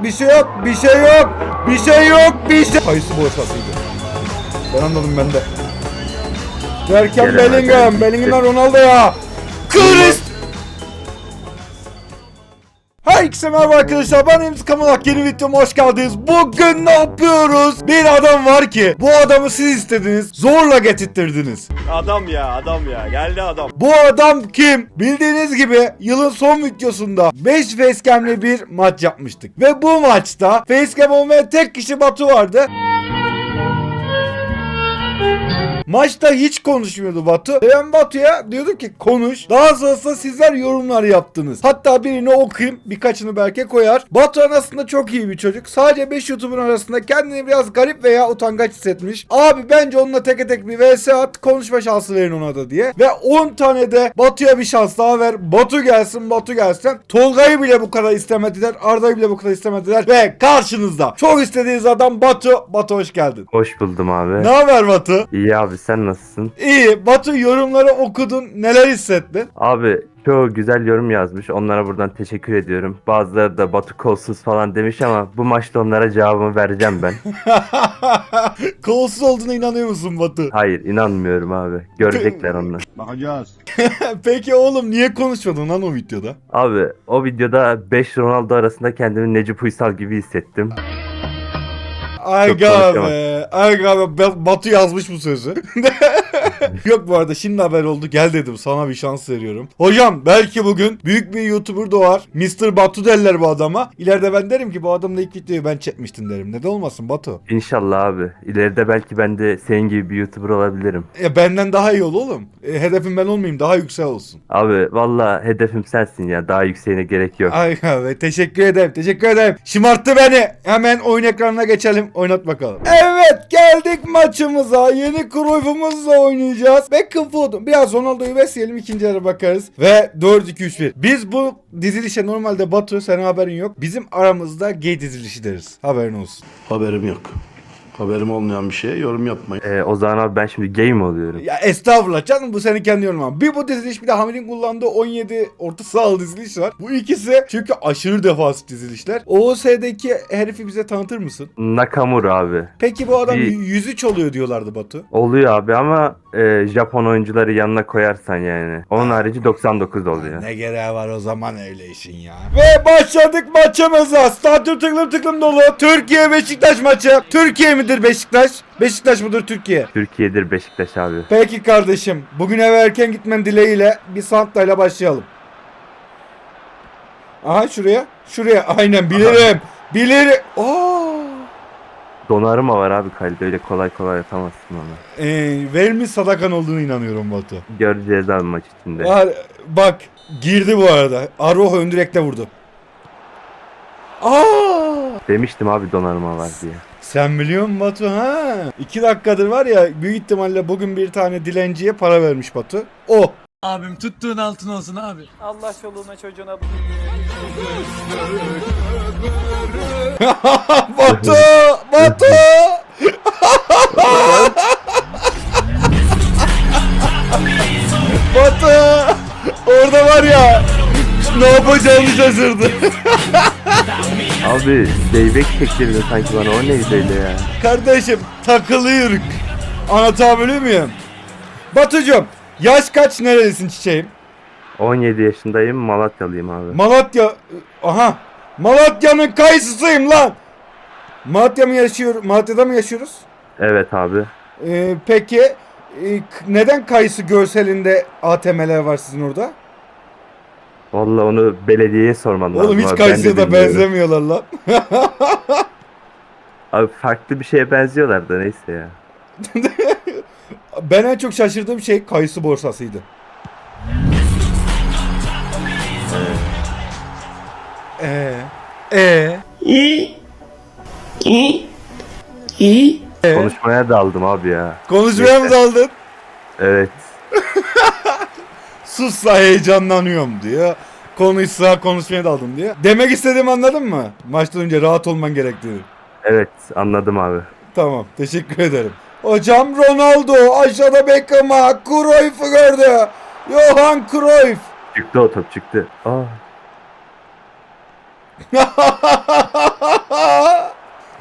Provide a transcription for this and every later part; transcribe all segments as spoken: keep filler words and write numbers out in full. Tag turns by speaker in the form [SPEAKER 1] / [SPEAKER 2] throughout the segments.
[SPEAKER 1] bir şey yok, bir şey yok, bir şey yok, bir şey. Kayısı boşasıydı. Ben anladım ben de. Derken Bellingham, Bellingham'dan Ronaldo ya. Christ. Herkese merhaba arkadaşlar, ben Emz Kamalak, yeni videoma hoş geldiniz. Bugün ne yapıyoruz? Bir adam var ki bu adamı siz istediniz, zorla getirttirdiniz.
[SPEAKER 2] Adam ya adam ya geldi adam.
[SPEAKER 1] Bu adam kim? Bildiğiniz gibi yılın son videosunda beş facecam'li bir maç yapmıştık. Ve bu maçta facecam olmayan tek kişi Batu vardı. Maçta hiç konuşmuyordu Batu. Ben Batu'ya diyordum ki konuş. Daha sonrasında sizler yorumlar yaptınız. Hatta birini okuyayım, birkaçını belki koyar. Batu aslında çok iyi bir çocuk. Sadece beş YouTuber arasında kendini biraz garip veya utangaç hissetmiş. Abi bence onunla tek tek bir vs at, konuşma şansı verin ona da diye. Ve on tane de Batu'ya bir şans daha ver. Batu gelsin, Batu gelsin. Tolga'yı bile bu kadar istemediler. Arda'yı bile bu kadar istemediler. Ve karşınızda çok istediğiniz adam Batu. Batu hoş geldin.
[SPEAKER 3] Hoş buldum abi.
[SPEAKER 1] Ne haber Batu?
[SPEAKER 3] İyi abi, sen nasılsın?
[SPEAKER 1] İyi. Batu, yorumları okudun. Neler hissettin?
[SPEAKER 3] Abi çoğu güzel yorum yazmış. Onlara buradan teşekkür ediyorum. Bazıları da Batu kolsuz falan demiş ama bu maçta onlara cevabımı vereceğim ben.
[SPEAKER 1] Kolsuz olduğuna inanıyor musun Batu?
[SPEAKER 3] Hayır, inanmıyorum abi. Görecekler onlar.
[SPEAKER 2] Bakacağız.
[SPEAKER 1] Peki oğlum niye konuşmadın lan o videoda?
[SPEAKER 3] Abi o videoda beş Ronaldo arasında kendimi Necip Uysal gibi hissettim.
[SPEAKER 1] Aga
[SPEAKER 3] konuşamam.
[SPEAKER 1] be. Aga be. Batu yazmış bu sözü. Yok bu arada şimdi haber oldu. Gel dedim, sana bir şans veriyorum. Hocam belki bugün büyük bir YouTuber doğar. mister Batu derler bu adama. İleride ben derim ki bu adamla ilk videoyu ben çekmiştim derim. Neden olmasın Batu?
[SPEAKER 3] İnşallah abi. İleride belki ben de senin gibi bir YouTuber olabilirim.
[SPEAKER 1] E, benden daha iyi ol oğlum. E, hedefim ben olmayayım, daha yüksek olsun.
[SPEAKER 3] Abi valla hedefim sensin ya. Daha yükseğine gerek yok.
[SPEAKER 1] Ay abi, teşekkür ederim, teşekkür ederim. Şımarttı beni. Hemen oyun ekranına geçelim, oynat bakalım. Evet, geldik maçımıza. Yeni Cruyff'umuzla oynayacağız. Beckham Foden. Biraz Ronaldo'yu besleyelim, ikinci yarı bakarız. Ve dört iki üç bir. Biz bu dizilişe normalde Batu, senin haberin yok. Bizim aramızda gay dizilişi deriz. Haberin olsun.
[SPEAKER 4] Haberim yok. Haberim olmayan bir şeye yorum yapmayın.
[SPEAKER 3] Ee, o zaman abi ben şimdi gay mi oluyorum?
[SPEAKER 1] Ya estağfurullah canım, bu senin kendi yorumun. Bir bu diziliş, bir de Hamir'in kullandığı on yedi orta sahalı diziliş var. Bu ikisi çünkü aşırı defansif dizilişler. O O S'deki herifi bize tanıtır mısın?
[SPEAKER 3] Nakamura abi.
[SPEAKER 1] Peki bu adam
[SPEAKER 3] Bir-
[SPEAKER 1] yüz üç oluyor diyorlardı Batu.
[SPEAKER 3] Oluyor abi ama e, Japon oyuncuları yanına koyarsan yani. Onun harici doksan dokuz oluyor.
[SPEAKER 1] Ne gereği var o zaman öyle işin ya. Ve başladık maçımıza. Stadyum tıklım tıklım dolu. Türkiye Beşiktaş maçı. Türkiye midir Beşiktaş? Beşiktaş mıdır Türkiye?
[SPEAKER 3] Türkiye'dir Beşiktaş abi.
[SPEAKER 1] Peki kardeşim. Bugün eve erken gitmen dileğiyle bir Santa'yla başlayalım. Aha şuraya. Şuraya. Aynen bilirim. Bilirim. Oo.
[SPEAKER 3] Donnarumma var abi kalede, öyle kolay kolay atamazsın onu.
[SPEAKER 1] Ee, verilmiş sadakan olduğunu inanıyorum Batu.
[SPEAKER 3] Göreceğiz abi maç içinde.
[SPEAKER 1] Var, bak girdi bu arada. Arrojo ön direkte vurdu. Aa!
[SPEAKER 3] Demiştim abi Donnarumma var diye.
[SPEAKER 1] Sen biliyor musun Batu ha? İki dakikadır var ya, büyük ihtimalle bugün bir tane dilenciye para vermiş Batu. O.
[SPEAKER 5] Abim tuttuğun altın olsun abi.
[SPEAKER 6] Allah çoluğuna çocuğuna
[SPEAKER 1] Batu! Batu! Batu! Orada var ya, ne yapacağını şaşırdı.
[SPEAKER 3] Abi zeybek çektirdi sanki bana, o neydi öyle ya.
[SPEAKER 1] Kardeşim takılıyoruz. Anlatabiliyor muyum? Batucuğum, yaş kaç, nerelisin çiçeğim?
[SPEAKER 3] on yedi yaşındayım, Malatyalıyım abi.
[SPEAKER 1] Malatya, aha, Malatya'nın kayısısıyım lan. Malatya mı yaşıyor? Malatya'da mı yaşıyoruz?
[SPEAKER 3] Evet abi.
[SPEAKER 1] Ee, peki e, k- neden kayısı görselinde A T M'ler var sizin orada?
[SPEAKER 3] Vallahi onu belediyeye sorman lazım.
[SPEAKER 1] Oğlum hiç
[SPEAKER 3] abi, ben de
[SPEAKER 1] kayısıya da
[SPEAKER 3] bilmiyorum.
[SPEAKER 1] benzemiyorlar lan.
[SPEAKER 3] Abi farklı bir şeye benziyorlar da neyse ya.
[SPEAKER 1] Ben en çok şaşırdığım şey kayısı borsasıydı. Ee, ee,
[SPEAKER 3] Konuşmaya daldım abi ya.
[SPEAKER 1] konuşmaya mı daldın?
[SPEAKER 3] Evet.
[SPEAKER 1] Sussa heyecanlanıyorum diyor. Konuşsa konuşmaya daldım diye. Demek istediğimi anladın mı? Maçtan önce rahat olman gerektiğini.
[SPEAKER 3] Evet anladım abi.
[SPEAKER 1] Tamam, teşekkür ederim. Hocam Ronaldo aşağıda Beckham'a Cruyff'u gördü. Johan Cruyff.
[SPEAKER 3] Çıktı o top çıktı. Aa.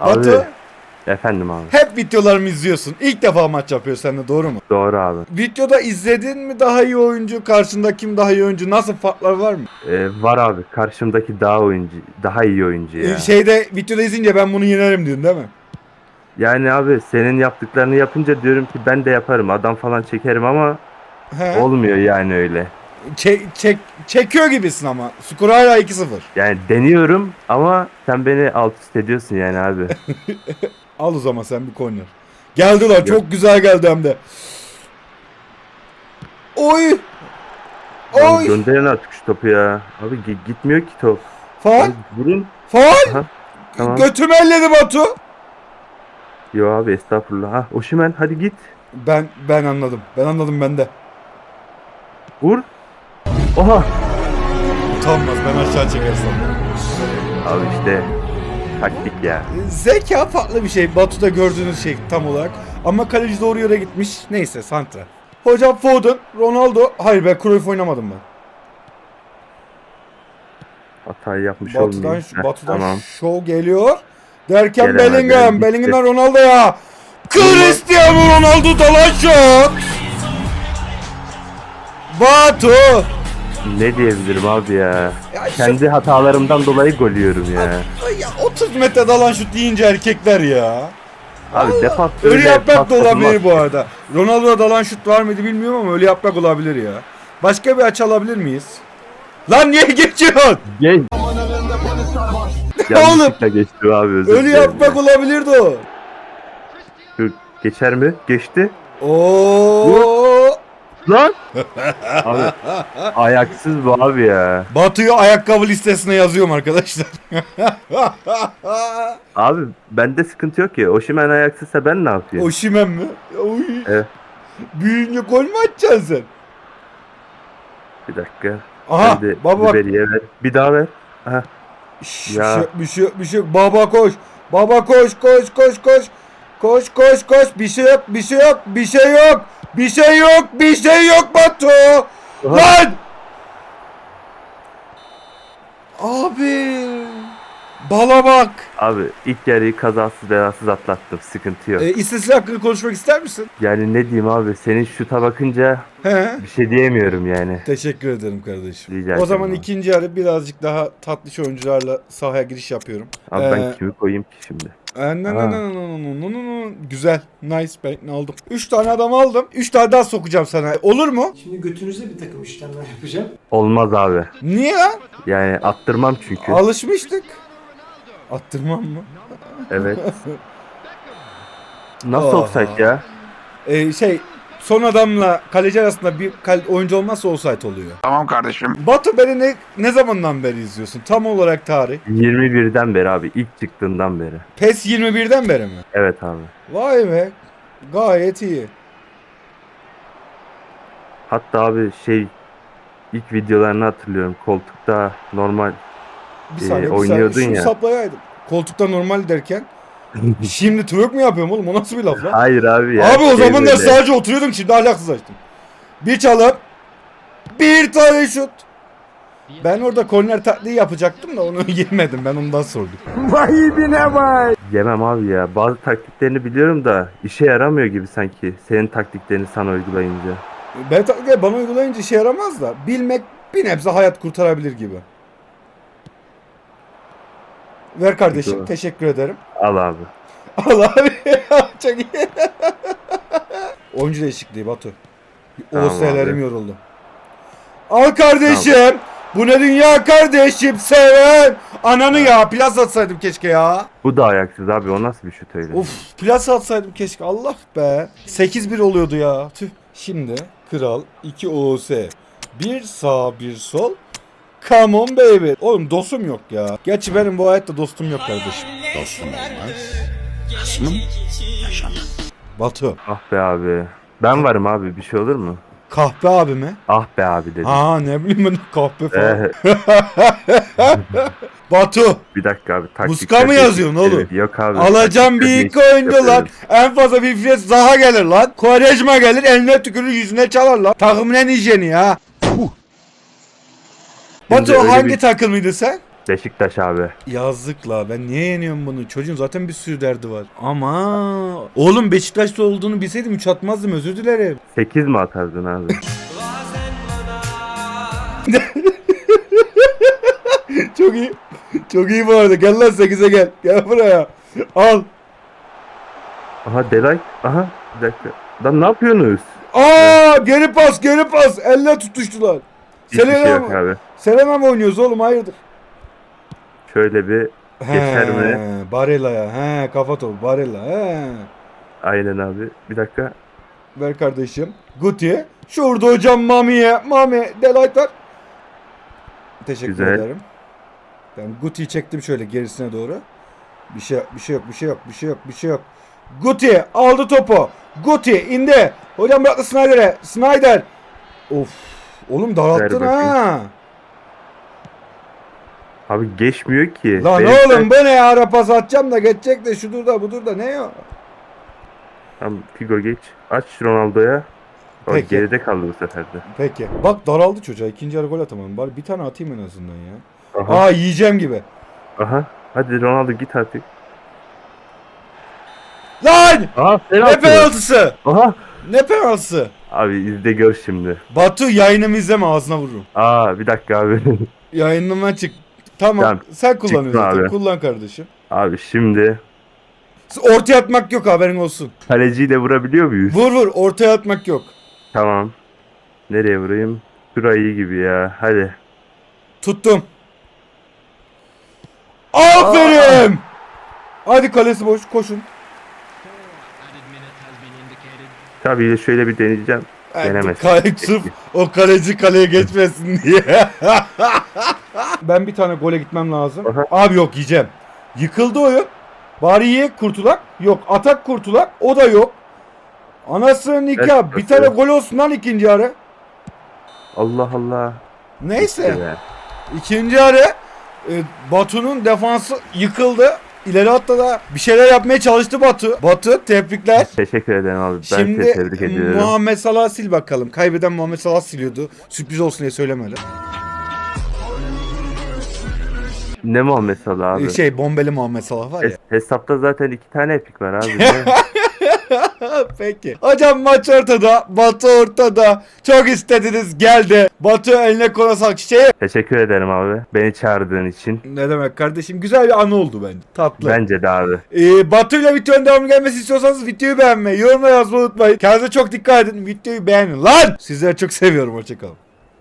[SPEAKER 1] Batu,
[SPEAKER 3] Efendim abi.
[SPEAKER 1] hep videolarımı izliyorsun. İlk defa maç yapıyorsun seninle, doğru mu?
[SPEAKER 3] Doğru abi.
[SPEAKER 1] Videoda izledin mi daha iyi oyuncu, karşında kim daha iyi oyuncu, nasıl farklar var mı?
[SPEAKER 3] Ee, var abi. Karşımdaki daha oyuncu, daha iyi oyuncu ya.
[SPEAKER 1] Ee, Şeyde videoda izleyince ben bunu yenerim diyorsun değil mi?
[SPEAKER 3] Yani abi senin yaptıklarını yapınca diyorum ki ben de yaparım. Adam falan çekerim ama
[SPEAKER 1] He.
[SPEAKER 3] olmuyor yani öyle.
[SPEAKER 1] Çek, çek, çekiyor gibisin ama. Skor hala iki sıfır.
[SPEAKER 3] Yani deniyorum ama sen beni alt üst ediyorsun yani abi.
[SPEAKER 1] Al o zaman sen bir corner. Geldi lan,
[SPEAKER 3] Yok.
[SPEAKER 1] çok güzel geldi hem de. Oy!
[SPEAKER 3] Lan
[SPEAKER 1] Oy!
[SPEAKER 3] gönderin artık şu topu ya. Abi gi- gitmiyor ki top.
[SPEAKER 1] Faal!
[SPEAKER 3] Abi vurun.
[SPEAKER 1] Faal!
[SPEAKER 3] Aha, tamam.
[SPEAKER 1] Götümü elledi Batu.
[SPEAKER 3] Yo abi estağfurullah. Ha Osimhen hadi git.
[SPEAKER 1] Ben ben anladım. Ben anladım ben de.
[SPEAKER 3] Vur. Oha.
[SPEAKER 1] Utanmaz, ben aşağı çekersem.
[SPEAKER 3] Abi işte taktik ya.
[SPEAKER 1] Zeka farklı bir şey. Batu'da gördüğünüz şey tam olarak. Ama kaleci doğru yere gitmiş. Neyse, santra. Hocam Foden, Ronaldo. Hayır be, Cruyff oynamadım ben.
[SPEAKER 3] Hatayı yapmış
[SPEAKER 1] Batı'dan,
[SPEAKER 3] olmayayım.
[SPEAKER 1] şu,
[SPEAKER 3] Heh,
[SPEAKER 1] Batı'dan
[SPEAKER 3] tamam.
[SPEAKER 1] şov geliyor. Derken
[SPEAKER 3] Gelemedi,
[SPEAKER 1] Bellingham.
[SPEAKER 3] gitti.
[SPEAKER 1] Bellingham'dan Ronaldo'ya. Cristiano Ronaldo dalan şut. Batu.
[SPEAKER 3] Ne diyebilirim abi ya.
[SPEAKER 1] Ya şu-
[SPEAKER 3] Kendi hatalarımdan dolayı gol yiyorum ya.
[SPEAKER 1] Ay ya, otuz metre dalan şut deyince erkekler ya.
[SPEAKER 3] Abi defans
[SPEAKER 1] Ölü
[SPEAKER 3] öyle
[SPEAKER 1] yaprak
[SPEAKER 3] pas
[SPEAKER 1] da olabilir
[SPEAKER 3] atılmaz.
[SPEAKER 1] bu arada. Ronaldo'ya dalan şut var mıydı bilmiyorum ama ölü yaprak olabilir ya. Başka bir açı alabilir miyiz? Lan niye geçiyorsun?
[SPEAKER 3] Geç. Yanlışlıkla geçti abi özür
[SPEAKER 1] Ölü
[SPEAKER 3] dilerim
[SPEAKER 1] yaprak
[SPEAKER 3] ya.
[SPEAKER 1] olabilirdi o.
[SPEAKER 3] Şu geçer mi? Geçti.
[SPEAKER 1] Oo.
[SPEAKER 3] Lan! Abi ayaksız bu abi ya.
[SPEAKER 1] Batu'yu ayakkabı listesine yazıyorum arkadaşlar.
[SPEAKER 3] Abi bende sıkıntı yok ki. Osimhen ayaksızsa ben ne yapayım?
[SPEAKER 1] Osimhen mi? Oy.
[SPEAKER 3] Evet.
[SPEAKER 1] Büyüyünce gol mü atacaksın sen?
[SPEAKER 3] Bir dakika.
[SPEAKER 1] Aha,
[SPEAKER 3] Sen de
[SPEAKER 1] baba bak.
[SPEAKER 3] Ribery'e ver. Bir daha ver. Aha.
[SPEAKER 1] Şş,
[SPEAKER 3] Ya.
[SPEAKER 1] Bir şey, bir şey, bir şey yok. Baba koş. Baba koş, koş, koş, koş. Koş, koş, koş. Bir şey yok, bir şey yok, bir şey yok. Bir şey yok, bir şey yok Batu. Lan! Abi. Bala bak.
[SPEAKER 3] Abi ilk yarıyı kazasız belasız atlattım. Sıkıntı yok.
[SPEAKER 1] E, istatistik hakkında konuşmak ister misin?
[SPEAKER 3] Yani ne diyeyim abi senin şuta bakınca
[SPEAKER 1] He.
[SPEAKER 3] bir şey diyemiyorum yani.
[SPEAKER 1] Teşekkür ederim kardeşim.
[SPEAKER 3] Rica
[SPEAKER 1] O
[SPEAKER 3] ederim
[SPEAKER 1] zaman
[SPEAKER 3] abi.
[SPEAKER 1] ikinci yarı birazcık daha tatlış oyuncularla sahaya giriş yapıyorum.
[SPEAKER 3] Abi
[SPEAKER 1] Ee,
[SPEAKER 3] ben kimi koyayım ki şimdi?
[SPEAKER 1] Ee, na- na-
[SPEAKER 3] Ha.
[SPEAKER 1] na- na- na- na- na- na- Güzel. Nice. Ben ne aldım? üç tane adam aldım. üç tane daha sokacağım sana. Olur mu?
[SPEAKER 6] Şimdi götünüze bir takım işlemler yapacağım.
[SPEAKER 3] Olmaz abi.
[SPEAKER 1] Niye lan?
[SPEAKER 3] Yani attırmam çünkü.
[SPEAKER 1] Alışmıştık. Attırmam mı?
[SPEAKER 3] Evet. Nasıl
[SPEAKER 1] Oha.
[SPEAKER 3] offside ya?
[SPEAKER 1] Ee, şey son adamla kaleci arasında bir kal- oyuncu olmazsa offside oluyor.
[SPEAKER 2] Tamam kardeşim.
[SPEAKER 1] Batu, beni ne, ne zamandan beri izliyorsun? Tam olarak tarih.
[SPEAKER 3] yirmi birden beri abi. İlk çıktığından beri.
[SPEAKER 1] PES yirmi birden beri mi?
[SPEAKER 3] Evet abi.
[SPEAKER 1] Vay be. Gayet iyi.
[SPEAKER 3] Hatta abi şey ilk videolarını hatırlıyorum. Koltukta normal
[SPEAKER 1] Bir
[SPEAKER 3] Ee,
[SPEAKER 1] saniye, bir
[SPEAKER 3] oynuyordun
[SPEAKER 1] saniye. Şunu
[SPEAKER 3] ya.
[SPEAKER 1] saplayaydım. Koltukta normal derken. Şimdi twerk mi yapıyorum oğlum? O nasıl bir laf lan?
[SPEAKER 3] Hayır abi ya.
[SPEAKER 1] Abi o
[SPEAKER 3] şey
[SPEAKER 1] zaman da
[SPEAKER 3] böyle.
[SPEAKER 1] sadece oturuyordum, şimdi ahlaksız açtım. Bir çalıp bir tane şut. Ben orada korner taklidi yapacaktım da onu yemedim, ben ondan sordum.
[SPEAKER 3] Yemem abi ya. Bazı taktiklerini biliyorum da işe yaramıyor gibi sanki. Senin taktiklerini sana uygulayınca.
[SPEAKER 1] Ben taklidi bana uygulayınca işe yaramaz da bilmek bir nebze hayat kurtarabilir gibi. Ver kardeşim,
[SPEAKER 3] Doğru.
[SPEAKER 1] teşekkür ederim.
[SPEAKER 3] Al abi.
[SPEAKER 1] Al abi. Çok iyi. Oyuncu değişikliği Batu.
[SPEAKER 3] Tamam
[SPEAKER 1] O S'lerim
[SPEAKER 3] abi.
[SPEAKER 1] yoruldu. Al kardeşim. Bu ne dünya kardeşim, seven. Ananı ya, plas atsaydım keşke ya.
[SPEAKER 3] Bu da ayaksız abi. O nasıl bir şut öyle?
[SPEAKER 1] Of, plas atsaydım keşke, Allah be. sekiz bir oluyordu ya. Tüh. Şimdi kral iki O S. Bir sağ bir sol. Come on baby. Oğlum dostum yok ya. Gerçi benim bu hayatta dostum yok kardeşim.
[SPEAKER 4] Dostum olmaz. Kısmım yaşamaz.
[SPEAKER 1] Batu.
[SPEAKER 3] Ah be abi. Ben varım abi. Bir şey olur mu?
[SPEAKER 1] Kahpe abi mi?
[SPEAKER 3] Ah be abi dedim.
[SPEAKER 1] Ha ne bileyim ben, kahpe falan.
[SPEAKER 3] Ee,
[SPEAKER 1] Batu.
[SPEAKER 3] bir dakika abi. taktikler
[SPEAKER 1] Muska mı
[SPEAKER 3] değişik.
[SPEAKER 1] yazıyorsun oğlum?
[SPEAKER 3] Evet, yok abi.
[SPEAKER 1] Alacağım bir
[SPEAKER 3] taktikler
[SPEAKER 1] iki
[SPEAKER 3] değişik
[SPEAKER 1] oyuncu lan.
[SPEAKER 3] yapıyorum.
[SPEAKER 1] En fazla bir Fiyat Zaha gelir lan. Quaresma gelir, eline tükürür, yüzüne çalar lan. Takımın en hijyeni ya.
[SPEAKER 3] Şimdi
[SPEAKER 1] Batu
[SPEAKER 3] öyle
[SPEAKER 1] hangi
[SPEAKER 3] bir-
[SPEAKER 1] takımıydın sen?
[SPEAKER 3] Beşiktaş abi.
[SPEAKER 1] Yazık la, ben niye yeniyorum bunu? Çocuğun zaten bir sürü derdi var. Ama oğlum Beşiktaş'ta olduğunu bilseydim üç atmazdım, özür dilerim.
[SPEAKER 3] sekiz mi atardın abi?
[SPEAKER 1] Çok iyi. Çok iyi bu arada. Gel lan sekize gel. Gel buraya. Al.
[SPEAKER 3] Aha Delay. Aha bir dakika. Lan ne yapıyorsunuz?
[SPEAKER 1] Aa, geri pas, geri pas. Elle tutuştular.
[SPEAKER 3] Hiçbir şey
[SPEAKER 1] Selena
[SPEAKER 3] yok
[SPEAKER 1] mı?
[SPEAKER 3] abi.
[SPEAKER 1] Selena mı oynuyoruz oğlum? Hayırdır?
[SPEAKER 3] Şöyle bir geçer mi?
[SPEAKER 1] Barella'ya. He, kafa topu. Barella. He.
[SPEAKER 3] Aynen abi. Bir dakika.
[SPEAKER 1] Ver kardeşim. Guti. Şurada hocam Mami'ye. Mami. Delight var. Teşekkür
[SPEAKER 3] Güzel.
[SPEAKER 1] ederim. Ben Guti'yi çektim şöyle gerisine doğru. Bir şey bir şey yok, bir şey yok, bir şey yok, bir şey yok. Guti aldı topu. Guti indi. Hocam bıraktı Snyder'e. Snyder. Of. Oğlum daralttın
[SPEAKER 3] Ver bakayım.
[SPEAKER 1] ha.
[SPEAKER 3] Abi geçmiyor ki.
[SPEAKER 1] Lan
[SPEAKER 3] Benim
[SPEAKER 1] oğlum bu ne ya? Ara pas atacağım da geçecek de şudur da budur da ne o?
[SPEAKER 3] Tamam Figo geç. Aç Ronaldo'ya. O
[SPEAKER 1] Peki.
[SPEAKER 3] geride kaldı bu sefer de.
[SPEAKER 1] Peki. Bak daraldı çocuğa. İkinci yarı gol atamadım. Bari bir tane atayım en azından ya.
[SPEAKER 3] Aha.
[SPEAKER 1] Aa yiyeceğim gibi.
[SPEAKER 3] Aha. Hadi Ronaldo git artık.
[SPEAKER 1] Lan!
[SPEAKER 3] Aha
[SPEAKER 1] Ne
[SPEAKER 3] penaltı.
[SPEAKER 1] penaltısı?
[SPEAKER 3] Aha.
[SPEAKER 1] Ne penaltısı?
[SPEAKER 3] Abi izle gör şimdi.
[SPEAKER 1] Batu yayınımı izleme, ağzına vururum.
[SPEAKER 3] Aa bir dakika abi.
[SPEAKER 1] Yayınıma çık. Tamam,
[SPEAKER 3] Tamam,
[SPEAKER 1] sen kullanıyorsun
[SPEAKER 3] çıktım
[SPEAKER 1] zaten.
[SPEAKER 3] abi.
[SPEAKER 1] Kullan kardeşim.
[SPEAKER 3] Abi şimdi
[SPEAKER 1] Ortaya atmak yok, haberin olsun.
[SPEAKER 3] kaleciyle vurabiliyor muyuz?
[SPEAKER 1] Vur vur, ortaya atmak yok.
[SPEAKER 3] Tamam. Nereye vurayım? Şurayı iyi gibi ya. Hadi.
[SPEAKER 1] Tuttum. Aferin! Hadi kalesi boş, koşun.
[SPEAKER 3] Tabii şöyle bir deneyeceğim. Denemez.
[SPEAKER 1] Kale, sırf o kaleci kaleye geçmesin diye. Ben bir tane gole gitmem lazım.
[SPEAKER 3] Aha.
[SPEAKER 1] Abi yok, yiyeceğim. Yıkıldı oyun. Bari ye kurtulak. Yok, atak kurtulak. O da yok. Anasının nikah.
[SPEAKER 3] Evet,
[SPEAKER 1] Bir tane
[SPEAKER 3] evet.
[SPEAKER 1] gol olsun lan ikinci yarı.
[SPEAKER 3] Allah Allah.
[SPEAKER 1] Neyse.
[SPEAKER 3] Ya.
[SPEAKER 1] İkinci yarı e, Batu'nun defansı yıkıldı. İleri hatta da bir şeyler yapmaya çalıştı Batu. Batu tebrikler.
[SPEAKER 3] Teşekkür ederim abi. Ben
[SPEAKER 1] Şimdi
[SPEAKER 3] seni tebrik ediyorum.
[SPEAKER 1] Muhammed Salah sil bakalım. Kaybeden Muhammed Salah siliyordu. Sürpriz olsun diye söylemedi.
[SPEAKER 3] Ne Muhammed Salah abi?
[SPEAKER 1] Ee, Şey bombeli Muhammed Salah var ya.
[SPEAKER 3] Hes- hesapta zaten iki tane epik var abi. Ne?
[SPEAKER 1] Peki. Hocam maç ortada. Batu ortada. Çok istediniz, geldi. Batu eline koluna sağlık. Şey,
[SPEAKER 3] Teşekkür ederim abi. Beni çağırdığın için.
[SPEAKER 1] ne demek kardeşim? Güzel bir anı oldu bence. Tatlı.
[SPEAKER 3] Bence de abi.
[SPEAKER 1] Ee, Batu ile videonun devamı gelmesi istiyorsanız videoyu beğenmeyi, yorumlara yazmayı unutmayın. Kendinize çok dikkat edin. Videoyu beğenin lan. Sizleri çok seviyorum. Hoşçakalın.